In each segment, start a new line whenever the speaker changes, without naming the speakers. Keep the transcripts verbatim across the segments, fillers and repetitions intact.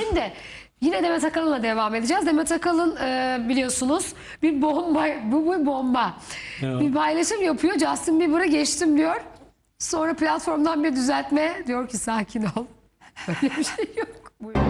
Şimdi yine Demet Akalın'la devam edeceğiz. Demet Akalın e, biliyorsunuz bir bomba, bu bir bomba.
Evet.
Bir paylaşım yapıyor. Justin Bieber'a geçtim diyor. Sonra platformdan bir düzeltme diyor ki sakin ol. Öyle bir şey yok. Buyurun.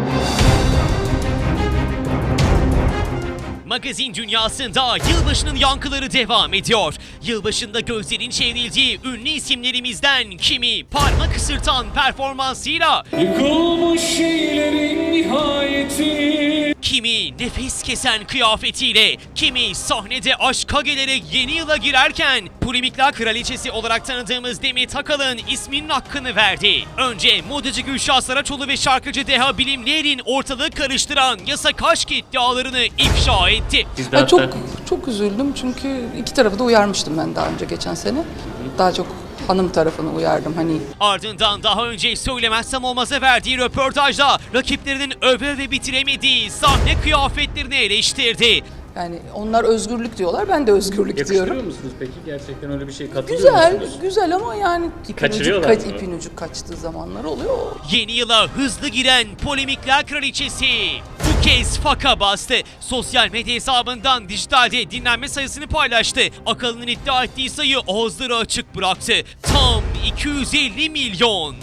Magazin dünyasında yılbaşının yankıları devam ediyor. Yılbaşında gözlerin çevrildiği ünlü isimlerimizden kimi parmak ısırtan performansıyla,
Yıkılmış şeylerin nihayeti.
kimi nefes kesen kıyafetiyle, kimi sahnede aşka gelerek yeni yıla girerken polemikler kraliçesi olarak tanıdığımız Demet Akalın isminin hakkını verdi. Önce modacı Gülşah Saraçoğlu ve şarkıcı Deha Bilimler'in ortalığı karıştıran yasak aşk iddialarını ifşa etti.
Ya çok çok üzüldüm çünkü iki tarafı da uyarmıştım ben daha önce geçen sene. Daha çok hanım tarafını uyardım hani.
Ardından daha önce söylemezsem olmaza verdiği röportajda rakiplerinin öve ve bitiremediği sahne kıyafetlerini eleştirdi.
Yani onlar özgürlük diyorlar, ben de özgürlük
Yakıştırıyor
diyorum.
musunuz peki? Gerçekten öyle bir şey katılıyor
Güzel,
musunuz?
güzel ama yani ipin ucu,
Kaçırıyorlar
kaç,
mı?
ipin ucu kaçtığı zamanlar oluyor.
Yeni yıla hızlı giren polemikler kraliçesi bu kez faka bastı. Sosyal medya hesabından dijitalde dinlenme sayısını paylaştı. Akalın'ın iddia ettiği sayı ağızları açık bıraktı. Tam iki yüz elli milyon.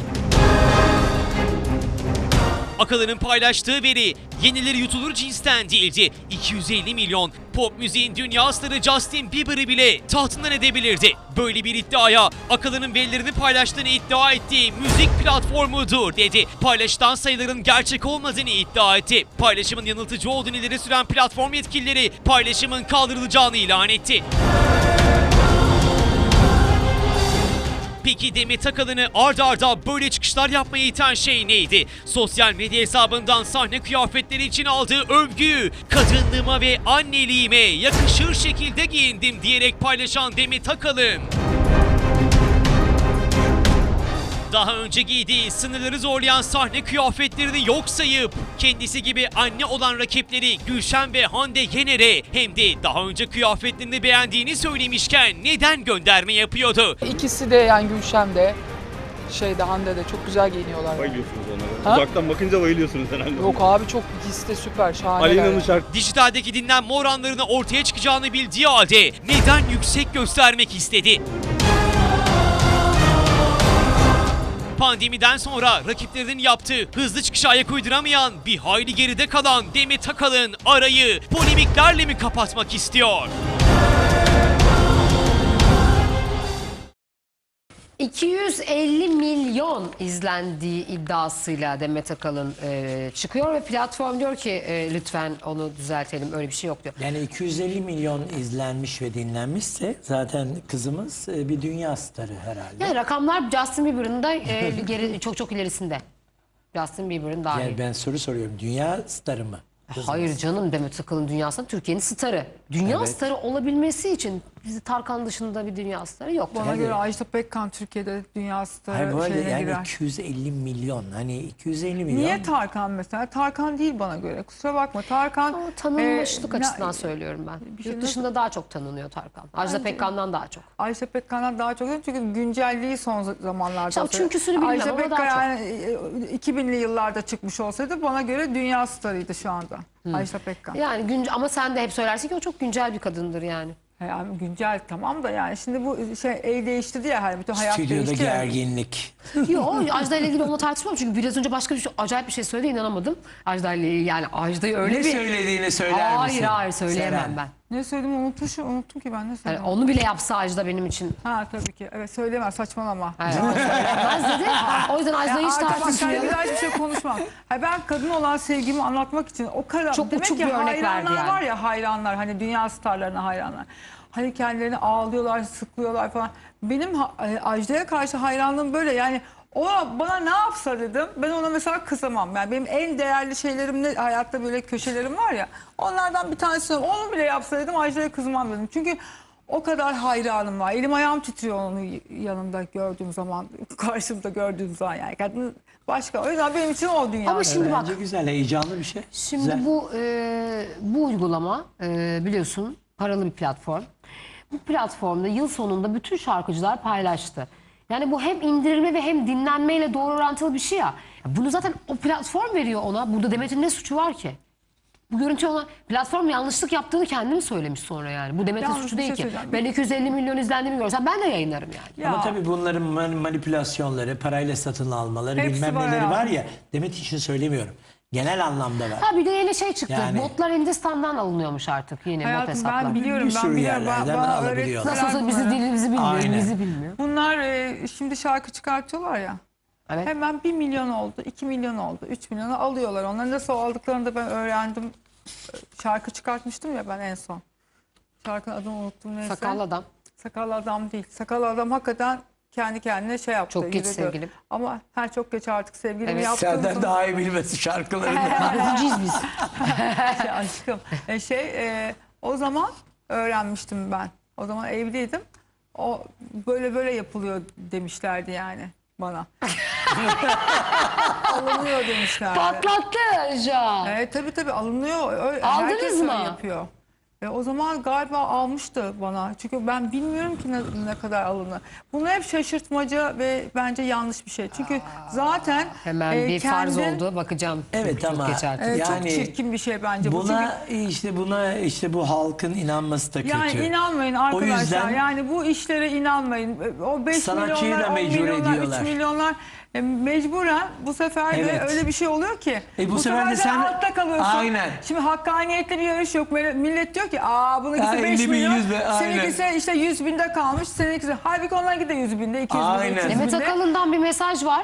Akalın'ın paylaştığı veri yenileri yutulur cinsten değildi. iki yüz elli milyon pop müziğin dünya starı Justin Bieber'ı bile tahtından edebilirdi. Böyle bir iddiaya Akalın'ın verilerini paylaştığını iddia ettiği müzik platformudur dedi. Paylaşılan sayıların gerçek olmadığını iddia etti. Paylaşımın yanıltıcı olduğunu ileri süren platform yetkilileri paylaşımın kaldırılacağını ilan etti. Peki Demet Akalın'ı ard arda böyle çıkışlar yapmaya iten şey neydi? Sosyal medya hesabından sahne kıyafetleri için aldığı övgüyü kadınlığıma ve anneliğime yakışır şekilde giyindim diyerek paylaşan Demet Akalın, daha önce giydiği sınırları zorlayan sahne kıyafetlerini yok sayıp kendisi gibi anne olan rakipleri Gülşen ve Hande Yener'e hem de daha önce kıyafetlerini beğendiğini söylemişken neden gönderme yapıyordu?
İkisi de yani Gülşen de şeyde Hande de çok güzel giyiniyorlar. Yani.
Bayılıyorsunuz
Ha?
onlara. Uzaktan bakınca bayılıyorsunuz herhalde.
Yok abi çok ikisi de süper şahane.
Alena'nın şarkı
Dijitaldeki dinlenme oranlarını ortaya çıkacağını bildiği halde neden yüksek göstermek istedi? Pandemiden sonra rakiplerinin yaptığı hızlı çıkışa ayak uyduramayan bir hayli geride kalan Demet Akalın arayı polemiklerle mi kapatmak istiyor?
iki yüz elli milyon izlendiği iddiasıyla Demet Akalın e, çıkıyor ve platform diyor ki e, lütfen onu düzeltelim, öyle bir şey yok diyor.
Yani iki yüz elli milyon izlenmiş ve dinlenmişse zaten kızımız e, bir dünya starı herhalde.
Yani rakamlar Justin Bieber'ın da e, bir geri, çok çok ilerisinde. Justin Bieber'ın dahil.
Yani ben soru soruyorum, dünya starı mı? Kızımız.
Hayır canım, Demet Akalın dünyasında Türkiye'nin starı. Dünya
Evet.
starı olabilmesi için bizi Tarkan dışında bir dünya starı yok.
Bana
Tabii.
göre Ajda Pekkan Türkiye'de dünya
Hayır, bu
starı
arada
şeyine
yani
girer.
iki yüz elli milyon, hani iki yüz elli milyon.
Niye Tarkan mesela? Tarkan değil bana göre. Kusura bakma. Tarkan
Ama tanınmışlık
e,
açısından
na-
söylüyorum ben.
bir şey
Yurt
nasıl-
dışında daha çok tanınıyor Tarkan. Ajda
Bence-
Pekkan'dan daha çok.
Ajda Pekkan'dan daha çok çünkü güncelliği son zamanlarda.
İşte o
olsa-
çünküsünü bilmem
Ajda
ama daha
Pekkan
çok.
yani e, iki binli yıllarda çıkmış olsaydı bana göre dünya starıydı şu anda. Ajda Pekkan.
Yani günce, ama sen de hep söylersin ki o çok güncel bir kadındır yani.
Yani güncel tamam da yani şimdi bu şey el değiştirdi ya hani bütün hayat
Stüdyoda
değişti ya.
gerginlik.
Yok, Ajda ile ilgili onunla tartışmam çünkü biraz önce başka bir şey, acayip bir şey söyledi, inanamadım. Ajda ile ilgili, yani Ajda'yı öyle
Ne
bir...
söylediğini söyler
Hayır
misin?
hayır söyleyemem
Seren.
ben.
Ne söyledim unutmuşum unuttum ki ben ne
Yani
söyledim.
onu bile yapsa Ajda benim için.
Ha tabii ki evet söyleme saçmalama.
Hayır, o söylemez dedi. O yüzden Ajda'yı hiç
arkadaşlar
tartışmıyorum.
bir daha hiçbir şey konuşmam. Ha, ben kadın olan sevgimi anlatmak için o kadar
Çok
demek
uçuk
ki
bir örnek verdi
hayranlar
yani.
var ya hayranlar hani dünya starlarına hayranlar. Hani kendilerini ağlıyorlar, sıklıyorlar falan. Benim ha- e, Ajda'ya karşı hayranlığım böyle yani ona bana ne yapsa dedim. Ben ona mesela kızamam. Yani benim en değerli şeylerim ne hayatta böyle köşelerim var ya. Onlardan bir tanesi onu bile yapsa dedim Ajda'ya kızmam dedim. Çünkü o kadar hayranım var. Elim ayağım titriyor onun yanında gördüğüm zaman, karşımda gördüğüm zaman yani. Kadın başka. O yüzden benim için o dünya.
Ama şimdi bak,
Bence güzel, heyecanlı bir şey.
şimdi
Güzel.
bu e, bu uygulama e, biliyorsun paralı bir platform. Bu platformda yıl sonunda bütün şarkıcılar paylaştı. Yani bu hem indirilme ve hem dinlenmeyle doğru orantılı bir şey ya. Bunu zaten o platform veriyor ona. Burada Demet'in ne suçu var ki? Bu görüntü ona platform yanlışlık yaptığını kendi mi söylemiş sonra yani? Bu Demet'in
Yalnız
suçu
bir
değil
şey
ki.
söyleyeceğim.
Ben iki yüz elli milyon izlendiğimi görsem ben de yayınlarım yani.
Ya.
Ama tabii bunların man- manipülasyonları, parayla satın almaları,
Hepsi
bilmem
var
neleri
ya.
var ya. Demet için söylemiyorum. Genel anlamda var.
Ha bir de yeni şey çıktı.
Yani-
Botlar Hindistan'dan alınıyormuş artık yine bot
Hayatım
hesaplar.
ben biliyorum
Bir
ben
sürü
biliyorum. Ba-
yerlerden
bana
alabiliyorlar.
Nasıl olsa bizi
bunları.
dilimizi bilmiyor,
Aynen.
bizi bilmiyor.
Bunlar e, şimdi şarkı çıkartıyorlar ya.
Evet.
Hemen bir milyon oldu, iki milyon oldu, üç milyonu alıyorlar. Onları nasıl aldıklarını da ben öğrendim. Şarkı çıkartmıştım ya ben en son. Şarkının adını unuttum neyse.
Sakallı adam.
Sakallı adam değil. Sakallı adam hakikaten kendi kendine şey yaptı.
Çok geç
yürüdü.
sevgilim.
Ama her çok geç artık sevgilim
Evet.
yaptığım
Senden
zaman-
daha iyi bilmesi şarkılarını.
Bakıcıyız biz.
şey, aşkım. E, şey e, o zaman öğrenmiştim ben. O zaman evliydim. O böyle böyle yapılıyor demişlerdi yani bana. Alınıyor demişlerdi.
Patlattı Can.
Evet tabii tabii alınıyor. Öyle,
Aldınız
herkes öyle
mı?
yapıyor. E, o zaman galiba almıştı bana. Çünkü ben bilmiyorum ki ne, ne kadar alınır. Bunu hep şaşırtmaca ve bence yanlış bir şey. Çünkü zaten
Hemen
e,
bir farz
kendin-
oldu. Bakacağım.
Evet
Çok
ama
geç artık.
e, çok
yani
çirkin bir şey bence bu. Çünkü
buna işte buna işte bu halkın inanması da kötü.
yani inanmayın arkadaşlar.
yüzden-
yani bu işlere inanmayın. O beş
Sanatçıyı
milyonlar,
da
on
mecbur
milyonlar,
ediyorlar.
üç milyonlar e, mecburen bu sefer de
Evet.
öyle bir şey oluyor ki.
E, bu sefer de
de
sen-
altta kalıyorsun.
Aynen.
Şimdi hakkaniyetli bir yarış yok. Böyle millet diyor ki aa bununkisi
Ya,
beş
elli bin,
milyon.
yüz bin, aynen.
Seninkisi işte yüz binde kalmış. Seninkisi halbuki onlarınki de yüz binde, iki yüz binde,
Aynen.
üç yüz
Demet
binde.
Akalın'dan bir mesaj var.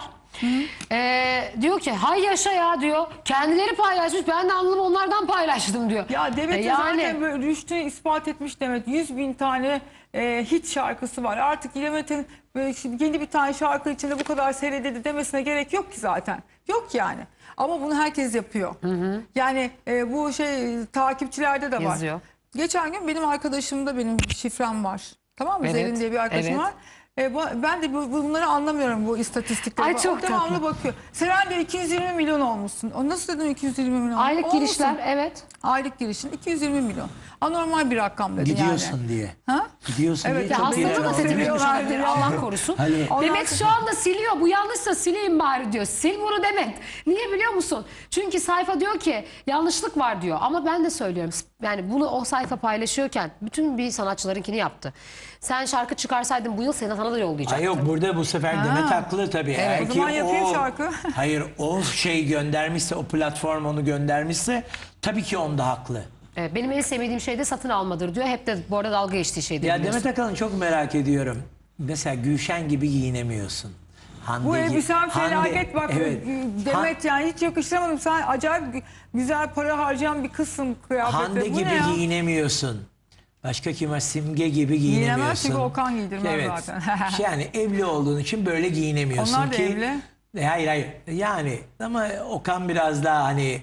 Ee, diyor ki hay yaşa ya diyor. Kendileri paylaşmış. Ben de alnımı onlardan paylaştım diyor.
Ya Demet
E,
de zaten böyle rüştünü ispat etmiş Demet. yüz bin tane e, hit şarkısı var. Artık Demet'in böyle şimdi yeni bir tane şarkı içinde bu kadar seyredildi demesine gerek yok ki zaten. Yok yani. Ama bunu herkes yapıyor. Yani e, bu şey takipçilerde de var.
Yazıyor.
Geçen gün benim arkadaşımda benim şifrem var. Tamam mı?
Evet,
Zerrin diye bir arkadaşım
evet.
var. E, bu, ben de bu, bunları anlamıyorum bu istatistikleri.
Ay,
O
çok
devamlı
tatlı.
bakıyor. Seren diyor iki yüz yirmi milyon olmuşsun. O nasıl dedim iki yüz yirmi milyon?
Aylık
Olmuşsun.
girişler evet.
Aylık girişin iki yüz yirmi milyon. Anormal bir rakam dedi
Gidiyorsun
yani.
diye.
Ha?
Gidiyorsun
Evet,
diye
ya
çok
Hastalığı
iyi
da
anladın.
seviyorlar.
tetiklemişlerdir. Allah korusun.
Hani-
Demet şu anda siliyor. Bu yanlışsa sileyim bari diyor. Sil bunu Demet. Niye biliyor musun? Çünkü sayfa diyor ki yanlışlık var diyor. Ama ben de söylüyorum. Yani bunu o sayfa paylaşıyorken bütün bir sanatçılarınkini yaptı. Sen şarkı çıkarsaydın bu yıl seni sana da yollayacaktı.
Ay yok burada bu sefer Demet haklı tabii. Eğer
o
ki
zaman yapayım şarkı.
Hayır o şey göndermişse, o platform onu göndermişse tabii ki onda haklı.
Evet, benim en sevmediğim şey de satın almadır diyor. Hep de bu arada dalga geçtiği şey de
Ya
biliyorsun.
Demet Akalın çok merak ediyorum. Mesela Gülşen gibi giyinemiyorsun. Hande
Bu
gibi-
elbisem
Hande-
felaket bak.
Evet.
Demet yani hiç yakıştıramadım. Sen acayip gü- güzel para harcayan bir kızsın kıyafette.
Hande
Bu
gibi
ne ya?
giyinemiyorsun. Başka kim var? Simge gibi
Giyinemez
giyinemiyorsun.
çünkü Okan giydirmez
evet.
zaten.
Yani evli olduğun için böyle giyinemiyorsun
Onlar da
ki.
evli.
E, Hayır hayır. Yani ama Okan biraz daha hani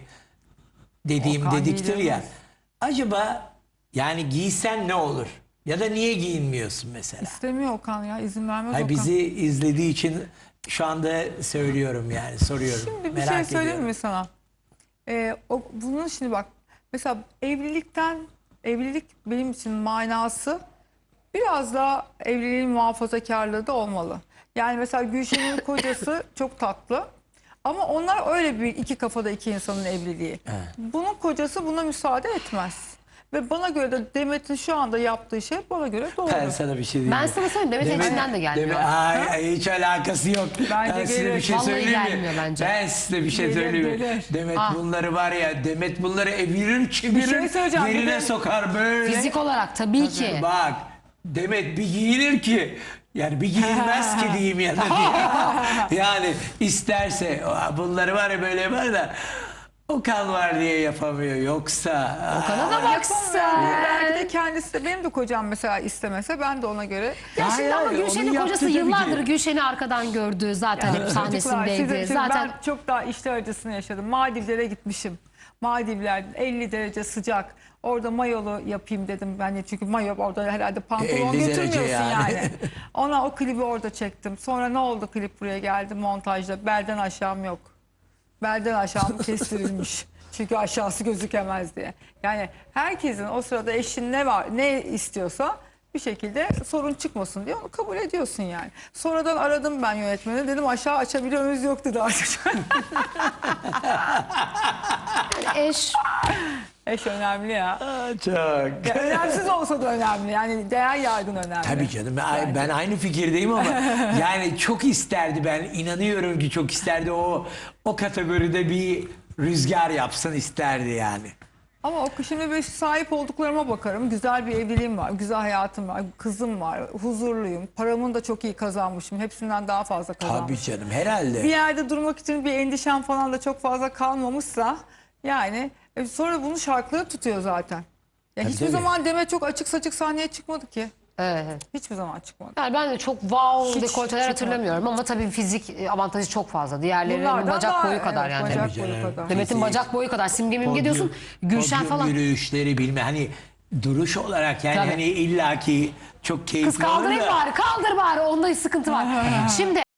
dediğim
Okan
dediktir ya.
giydirmez.
Acaba yani giysen ne olur? Ya da niye giyinmiyorsun mesela?
İstemiyor Okan ya izin vermez
Hayır,
Okan.
bizi izlediği için şu anda söylüyorum yani soruyorum.
Şimdi bir
Merak
şey söyleyeyim
ediyorum.
mi sana? Ee, o, bunun şimdi bak mesela evlilikten evlilik benim için manası biraz daha evliliğin muhafazakarlığı da olmalı. Yani mesela Gülşen'in kocası çok tatlı. Ama onlar öyle bir iki kafada iki insanın evliliği. Bunun kocası buna müsaade etmez. Ve bana göre de Demet'in şu anda yaptığı şey bana göre doğru.
Ben sana bir şey diyeyim.
Ben
mi?
sana söyleyeyim Demet
Demet-
içinden de gelmiyor.
Demet- ay, ay, hiç alakası yok.
Bence
ben size
gelir.
bir şey
Vallahi
söyleyeyim mi?
gelmiyor bence.
Ben size bir şey
Gelir,
söyleyeyim mi?
gelir.
Demet
Ah.
bunları var ya, Demet bunları evirir çevirir,
şey söyleyeceğim, bir
yerine
de-
sokar böyle.
Fizik olarak tabii ki.
Bak Demet bir giyinir ki yani bir giyinmez ki diyeyim ya da diye. Yani isterse bunları var ya böyle var da Okan var diye yapamıyor yoksa.
Okan'a da
Yapamıyor.
baksa.
Belki de kendisi de benim de kocam mesela istemese ben de ona göre
Ya
Hayır,
şimdi ama
hayır,
Gülşen'in
onu yaptı
kocası
tabii ki.
yıllardır Gülşen'i arkadan gördü. Zaten hep
Çocuklar,
sahnesindeydi.
size- size-
Zaten
Ben çok daha işler acısını yaşadım. Maldivlere gitmişim. Maldivler elli derece sıcak. Orada mayolu yapayım dedim ben de çünkü mayo orada herhalde pantolon
elli derece
götürmüyorsun yani.
yani.
Ona o klibi orada çektim. Sonra ne oldu klip buraya geldi montajda. Belden aşağım yok. Belden aşağım kestirilmiş. Çünkü aşağısı gözükemez diye. Yani herkesin o sırada eşin ne var ne istiyorsa bir şekilde sorun çıkmasın diye onu kabul ediyorsun yani. Sonradan aradım ben yönetmeni, dedim aşağı açabiliyor muyuz, yok dedi artık.
Eş
Eş önemli ya.
Çok.
Ya önemsiz olsa da önemli. Yani değer yargın önemli.
Tabii canım ben, ben aynı fikirdeyim ama yani çok isterdi, ben inanıyorum ki çok isterdi o o kategoride bir rüzgar yapsın isterdi yani.
Ama o şimdi ben sahip olduklarıma bakarım. Güzel bir evliliğim var, güzel hayatım var, kızım var, huzurluyum. Paramını da çok iyi kazanmışım. Hepsinden daha fazla kazanmışım.
Tabii canım herhalde.
Bir yerde durmak için bir endişem falan da çok fazla kalmamışsa yani e, sonra bunu şarkıları tutuyor zaten. Ya
Tabii,
hiçbir
tabii.
zaman Demet çok açık saçık sahneye çıkmadı ki.
evet.
Hiçbir zaman çıkmadı.
Yani ben de çok wow
Hiç
dekolteler
çıkmadı.
hatırlamıyorum ama tabii fizik e, avantajı çok fazla. Diğerlerinin
Bunlardan
bacak
daha-
boyu kadar
evet,
yani.
Bacak
Tabii
boyu
canım.
kadar.
Demet'in
Fizik,
bacak boyu kadar. Simge Mimge diyorsun. Gülşen
podyum
falan.
yürüyüşleri bilme hani duruş olarak yani
Tabii.
hani illaki çok keyifli
Kız kaldırayım
olur da.
bari, kaldır bari. Onda sıkıntı var. Şimdi